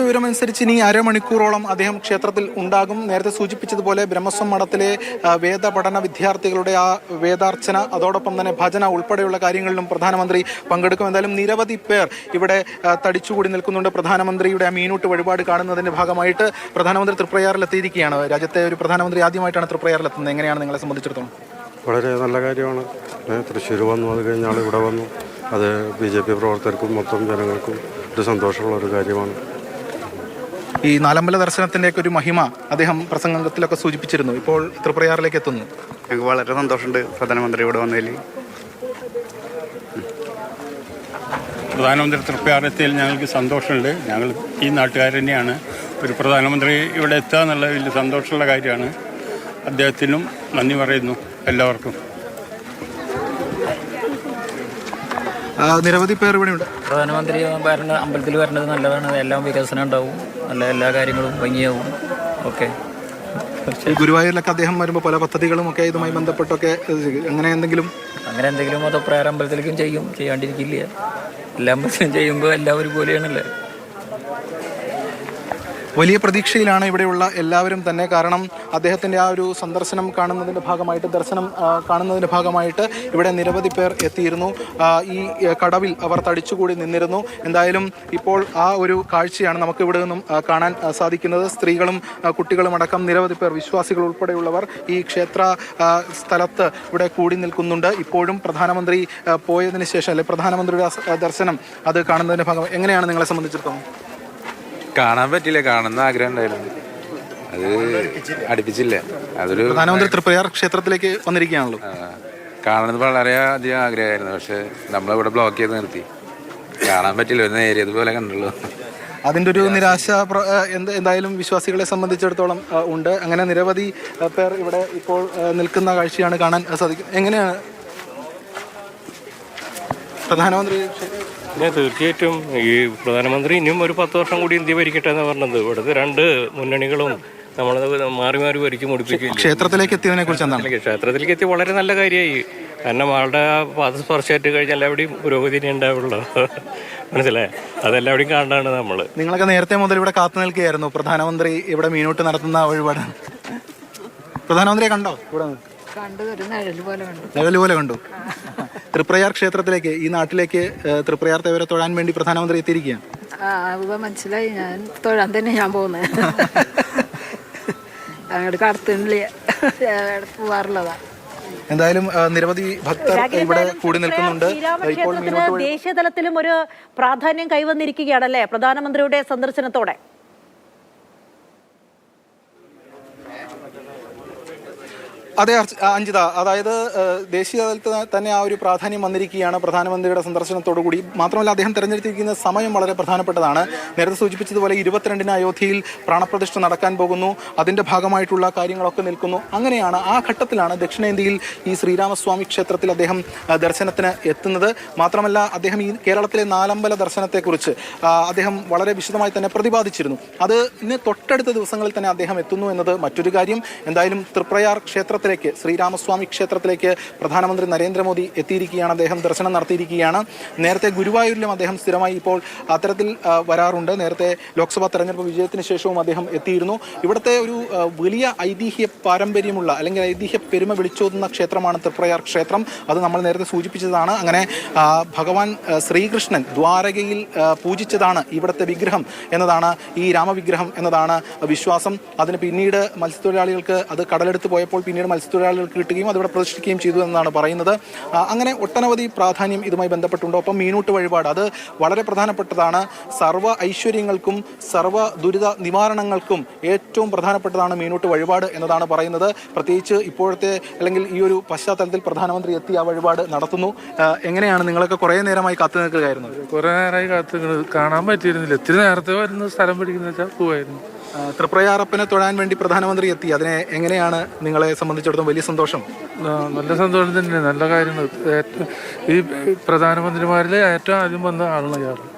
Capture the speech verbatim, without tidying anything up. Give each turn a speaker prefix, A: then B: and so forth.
A: വിവരമനുസരിച്ച് ഇനി അരമണിക്കൂറോളം അദ്ദേഹം ക്ഷേത്രത്തിൽ ഉണ്ടാകും. നേരത്തെ സൂചിപ്പിച്ചതുപോലെ ബ്രഹ്മസ്വം മഠത്തിലെ വേദപഠന വിദ്യാർത്ഥികളുടെ ആ വേദാർച്ചന, അതോടൊപ്പം തന്നെ ഭജന ഉൾപ്പെടെയുള്ള കാര്യങ്ങളിലും പ്രധാനമന്ത്രി പങ്കെടുക്കും. എന്തായാലും നിരവധി പേർ ഇവിടെ തടിച്ചുകൂടി നിൽക്കുന്നുണ്ട്. പ്രധാനമന്ത്രിയുടെ ആ മീനൂട്ട് വഴിപാട് കാണുന്നതിൻ്റെ ഭാഗമായിട്ട് പ്രധാനമന്ത്രി തൃപ്രയാറിലെത്തിയിരിക്കുകയാണ്. രാജ്യത്തെ ഒരു പ്രധാനമന്ത്രി ആദ്യമായിട്ടാണ് തൃപ്രയാറിലെത്തുന്നത്. എങ്ങനെയാണ് നിങ്ങളെ സംബന്ധിച്ചിടത്തോളം?
B: വളരെ നല്ല കാര്യമാണ്. തൃശ്ശൂർ വന്നു, അത് കഴിഞ്ഞാൽ ഇവിടെ വന്നു. അത് ബി ജെ പി പ്രവർത്തകർക്കും മൊത്തം ജനങ്ങൾക്കും ഒരു സന്തോഷമുള്ള ഒരു കാര്യമാണ്.
A: ഈ നാലമ്പല ദർശനത്തിൻ്റെയൊക്കെ ഒരു മഹിമ അദ്ദേഹം പ്രസംഗത്തിലൊക്കെ സൂചിപ്പിച്ചിരുന്നു. ഇപ്പോൾ തൃപ്രയാറിലേക്ക് എത്തുന്നു.
C: ഞങ്ങൾക്ക് വളരെ സന്തോഷമുണ്ട് പ്രധാനമന്ത്രി ഇവിടെ വന്നതിൽ.
D: പ്രധാനമന്ത്രി തൃപ്രയാറെത്തിയതിൽ ഞങ്ങൾക്ക് സന്തോഷമുണ്ട്. ഞങ്ങൾ ഈ നാട്ടുകാർ തന്നെയാണ്. ഒരു പ്രധാനമന്ത്രി ഇവിടെ എത്തുക എന്നുള്ള വലിയ സന്തോഷമുള്ള കാര്യമാണ്. അദ്ദേഹത്തിനും നന്ദി പറയുന്നു എല്ലാവർക്കും.
A: നിരവധി പേർ ഇവിടെയുണ്ട്.
E: പ്രധാനമന്ത്രി വരണ അമ്പലത്തിൽ വരണത് നല്ലതാണ്. എല്ലാം വികസനം ഉണ്ടാവും, നല്ല എല്ലാ കാര്യങ്ങളും ഭംഗിയാവും. ഓക്കെ.
A: ഗുരുവായൂരിലൊക്കെ അദ്ദേഹം വരുമ്പോൾ പല പദ്ധതികളും ഒക്കെ ഇതുമായി ബന്ധപ്പെട്ടൊക്കെ അങ്ങനെ എന്തെങ്കിലും
E: അങ്ങനെ എന്തെങ്കിലും മതപ്രകാരം അമ്പലത്തിലേക്കും ചെയ്യും, ചെയ്യാണ്ടിരിക്കില്ല. എല്ലാ അമ്പലത്തിലും ചെയ്യുമ്പോൾ എല്ലാവരും പോലെയാണല്ലേ.
A: വലിയ പ്രതീക്ഷയിലാണ് ഇവിടെയുള്ള എല്ലാവരും തന്നെ. കാരണം അദ്ദേഹത്തിൻ്റെ ആ ഒരു സന്ദർശനം കാണുന്നതിൻ്റെ ഭാഗമായിട്ട് ദർശനം കാണുന്നതിൻ്റെ ഭാഗമായിട്ട് ഇവിടെ നിരവധി പേർ എത്തിയിരുന്നു. ഈ കടവിൽ അവർ തടിച്ചുകൂടി നിന്നിരുന്നു. എന്തായാലും ഇപ്പോൾ ആ ഒരു കാഴ്ചയാണ് നമുക്ക് ഇവിടെ നിന്നും കാണാൻ സാധിക്കുന്നത്. സ്ത്രീകളും കുട്ടികളും അടക്കം നിരവധി പേർ, വിശ്വാസികൾ ഉൾപ്പെടെയുള്ളവർ ഈ ക്ഷേത്ര സ്ഥലത്ത് ഇവിടെ കൂടി നിൽക്കുന്നുണ്ട്. ഇപ്പോഴും പ്രധാനമന്ത്രി പോയതിന് ശേഷം അല്ലെ പ്രധാനമന്ത്രിയുടെ ദർശനം അത് കാണുന്നതിൻ്റെ ഭാഗം എങ്ങനെയാണ് നിങ്ങളെ സംബന്ധിച്ചിടത്തോളം?
F: കാണാൻ പറ്റില്ല, കാണുന്ന ആഗ്രഹം ഉണ്ടായിരുന്നു, അത് അടുപ്പിച്ചില്ല. അതൊരു
A: പ്രധാനമന്ത്രി തൃപ്രയാർ ക്ഷേത്രത്തിലേക്ക് വന്നിരിക്കുകയാണല്ലോ.
F: കാണുന്നത് വളരെ അധികം ആഗ്രഹമായിരുന്നു. പക്ഷെ നമ്മളിവിടെ ബ്ലോക്ക് ചെയ്ത് നിർത്തി, കാണാൻ പറ്റില്ല. ഒരു നേരിയതുപോലെ കണ്ടുള്ളൂ.
A: അതിൻ്റെ ഒരു നിരാശ എന്ത് എന്തായാലും വിശ്വാസികളെ സംബന്ധിച്ചിടത്തോളം ഉണ്ട്. അങ്ങനെ നിരവധി പേർ ഇവിടെ ഇപ്പോൾ നിൽക്കുന്ന കാഴ്ചയാണ് കാണാൻ സാധിക്കും. എങ്ങനെയാണ് പ്രധാനമന്ത്രി?
G: പിന്നെ തീർച്ചയായിട്ടും ഈ പ്രധാനമന്ത്രി ഇനിയും ഒരു പത്ത് വർഷം കൂടി ഇന്ത്യ ഭരിക്കട്ടെ എന്ന് പറഞ്ഞത്. ഇവിടുത്തെ രണ്ട് മുന്നണികളും നമ്മളത് മാറി മാറി ഭരിക്കും മുടിപ്പിക്കും.
A: ക്ഷേത്രത്തിലേക്ക് എത്തിയതിനെ കുറിച്ച് എന്താണ്?
G: ക്ഷേത്രത്തിലേക്ക് എത്തി വളരെ നല്ല കാര്യമായി. കാരണം ആളുടെ പാദസ്പർശമായിട്ട് കഴിഞ്ഞാൽ എല്ലാവരുടെയും പുരോഗതി ഉണ്ടാവുള്ളൂ. മനസ്സിലായി? അതെല്ലാവരുടെയും കാണാണ് നമ്മൾ.
A: നിങ്ങളൊക്കെ നേരത്തെ മുതൽ ഇവിടെ കാത്തു നിൽക്കുകയായിരുന്നു പ്രധാനമന്ത്രി ഇവിടെ മീനൂട്ട് നടത്തുന്ന വഴിപാട്. പ്രധാനമന്ത്രിയെ കണ്ടോ? ഇവിടെ നിഴല് പോലെ കണ്ടു. തൃപ്രയാർ ക്ഷേത്രത്തിലേക്ക്, ഈ നാട്ടിലേക്ക് തൃപ്രയാർ തേവരെ തൊഴാൻ വേണ്ടി പ്രധാനമന്ത്രി എത്തിയിരിക്കുകയാണ്.
H: മനസ്സിലായി. ഞാൻ തൊഴാൻ തന്നെ ഞാൻ പോകുന്നത്. അങ്ങോട്ട് കടത്തുന്നില്ല, പോവാറുള്ളതാ.
A: എന്തായാലും നിരവധി ഭക്തർ ഇവിടെ കൂടി നിൽക്കുന്നുണ്ട്. ഇപ്പോൾ
I: ദേശീയ തലത്തിലും ഒരു പ്രാധാന്യം കൈവന്നിരിക്കുകയാണല്ലേ പ്രധാനമന്ത്രിയുടെ സന്ദർശനത്തോടെ?
A: അതെ അഞ്ജിത, അതായത് ദേശീയ തലത്തിൽ തന്നെ ആ ഒരു പ്രാധാന്യം വന്നിരിക്കുകയാണ് പ്രധാനമന്ത്രിയുടെ സന്ദർശനത്തോടു കൂടി. മാത്രമല്ല അദ്ദേഹം തിരഞ്ഞെടുത്തിരിക്കുന്ന സമയം വളരെ പ്രധാനപ്പെട്ടതാണ്. നേരത്തെ സൂചിപ്പിച്ചതുപോലെ ഇരുപത്തിരണ്ടിന് അയോധ്യയിൽ പ്രാണപ്രതിഷ്ഠ നടക്കാൻ പോകുന്നു. അതിൻ്റെ ഭാഗമായിട്ടുള്ള കാര്യങ്ങളൊക്കെ നിൽക്കുന്നു. അങ്ങനെയാണ്, ആ ഘട്ടത്തിലാണ് ദക്ഷിണേന്ത്യയിൽ ഈ ശ്രീരാമസ്വാമി ക്ഷേത്രത്തിൽ അദ്ദേഹം ദർശനത്തിന് എത്തുന്നത്. മാത്രമല്ല അദ്ദേഹം ഈ കേരളത്തിലെ നാലമ്പല ദർശനത്തെക്കുറിച്ച് അദ്ദേഹം വളരെ വിശദമായി തന്നെ പ്രതിപാദിച്ചിരുന്നു. അത് ഇന്ന് തൊട്ടടുത്ത ദിവസങ്ങളിൽ തന്നെ അദ്ദേഹം എത്തുന്നു എന്നത് മറ്റൊരു കാര്യം. എന്തായാലും തൃപ്രയാർ ക്ഷേത്ര ക്ഷേത്രത്തിലേക്ക്, ശ്രീരാമസ്വാമി ക്ഷേത്രത്തിലേക്ക് പ്രധാനമന്ത്രി നരേന്ദ്രമോദി എത്തിയിരിക്കുകയാണ്. അദ്ദേഹം ദർശനം നടത്തിയിരിക്കുകയാണ്. നേരത്തെ ഗുരുവായൂരിലും അദ്ദേഹം സ്ഥിരമായി ഇപ്പോൾ അത്തരത്തിൽ വരാറുണ്ട്. നേരത്തെ ലോക്സഭാ തെരഞ്ഞെടുപ്പ് വിജയത്തിന് ശേഷവും അദ്ദേഹം എത്തിയിരുന്നു. ഇവിടുത്തെ ഒരു വലിയ ഐതിഹ്യ പാരമ്പര്യമുള്ള അല്ലെങ്കിൽ ഐതിഹ്യ പെരുമ വിളിച്ചോതുന്ന ക്ഷേത്രമാണ് തൃപ്രയാർ ക്ഷേത്രം. അത് നമ്മൾ നേരത്തെ സൂചിപ്പിച്ചതാണ്. അങ്ങനെ ഭഗവാൻ ശ്രീകൃഷ്ണൻ ദ്വാരകയിൽ പൂജിച്ചതാണ് ഇവിടുത്തെ വിഗ്രഹം എന്നതാണ്, ഈ രാമവിഗ്രഹം എന്നതാണ് വിശ്വാസം. അതിന് പിന്നീട് മത്സ്യത്തൊഴിലാളികൾക്ക് അത് കടലെടുത്ത് പോയപ്പോൾ പിന്നീട് മത്സ്യത്തൊഴിലാളികൾക്ക് കിട്ടുകയും അതിവിടെ പ്രതിഷ്ഠിക്കുകയും ചെയ്തു എന്നാണ് പറയുന്നത്. അങ്ങനെ ഒട്ടനവധി പ്രാധാന്യം ഇതുമായി ബന്ധപ്പെട്ടുണ്ട്. ഒപ്പം മീനൂട്ട് വഴിപാട് അത് വളരെ പ്രധാനപ്പെട്ടതാണ്. സർവ്വ ഐശ്വര്യങ്ങൾക്കും സർവ്വ ദുരിത നിവാരണങ്ങൾക്കും ഏറ്റവും പ്രധാനപ്പെട്ടതാണ് മീനൂട്ട് വഴിപാട് എന്നതാണ് പറയുന്നത്. പ്രത്യേകിച്ച് ഇപ്പോഴത്തെ അല്ലെങ്കിൽ ഈ ഒരു പശ്ചാത്തലത്തിൽ പ്രധാനമന്ത്രി എത്തി ആ വഴിപാട് നടത്തുന്നു. എങ്ങനെയാണ്, നിങ്ങളൊക്കെ കുറേ നേരമായി കാത്തു നിൽക്കുകയായിരുന്നു?
J: കുറേ നേരമായി കാത്തു കാണാൻ പറ്റിയിരുന്നില്ല. ഇത്തിരി നേരത്തെ വരുന്ന സ്ഥലം പിടിക്കുന്ന വെച്ചാൽ പോവായിരുന്നു.
A: തൃപ്രയാറപ്പനെ തൊഴാൻ വേണ്ടി പ്രധാനമന്ത്രി എത്തി. അതിനെ എങ്ങനെയാണ് നിങ്ങളെ സംബന്ധിച്ചിടത്തോളം? വലിയ സന്തോഷം.
J: നല്ല സന്തോഷം തന്നെ, നല്ല കാര്യങ്ങൾ. ഈ പ്രധാനമന്ത്രിമാരിൽ ഏറ്റവും ആദ്യം വന്ന ആളാണ് ഇയാൾ.